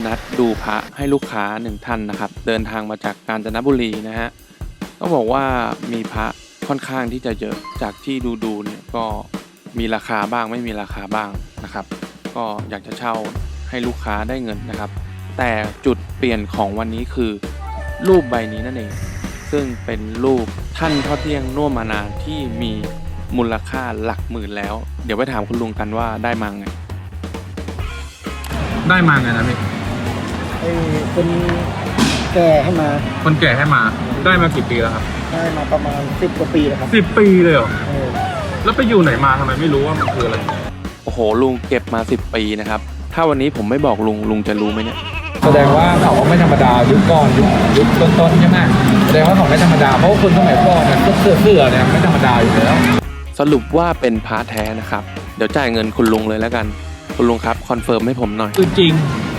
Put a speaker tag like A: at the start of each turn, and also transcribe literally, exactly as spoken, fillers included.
A: นัดดูพระให้ลูกค้าหนึ่งท่านนะครับเดินทางมาจากกาญจนบุรีนะฮะต้องบอกว่ามีพระค่อนข้างที่จะเยอะจากที่ดูดูเนี่ยก็มีราคาบ้างไม่มีราคาบ้างนะครับก็อยากจะเช่าให้ลูกค้าได้เงินนะครับแต่จุดเปลี่ยนของวันนี้คือรูปใบนี้นั่นเองซึ่งเป็นรูปท่านพ่อเที่ยงน่วมมานาที่มีมูลค่าหลักหมื่นแล้วเดี๋ยวไปถามคุณลุงกันว่าได้มาไงได้มาไงนะพี่
B: ไอ้คนแก่ให้มา
A: คนแก่ให้มาได้มากี่ปีแล้วครับ
B: ได้มาประมาณสิบกว่าปีแล้วครับ
A: สิบปีเลยเหรอ
B: เออ
A: แล้วไปอยู่ไหนมาทำไมไม่รู้ว่ามันคืออะไรโอ้โหลุงเก็บมาสิบปีนะครับถ้าวันนี้ผมไม่บอกลุงลุงจะรู้ไหมเนี่ย
C: แสดงว่าเขาก็ไม่ธรรมดายุคก่อนยุคยุคต้นๆใช่ไหมแสดงว่าเขาไม่ธรรมดาเพราะคนสมัยก่อนเนี่ยเสื้อเสื้อเนี่ยไม่ธรรมดาอยู่แล้ว
A: สรุปว่าเป็นพระแท้นะครับเดี๋ยวจ่ายเงินคุณลุงเลยแล้วกันคุณลุงครับคอนเฟิร์มให้ผมหน่อย
C: คือจริง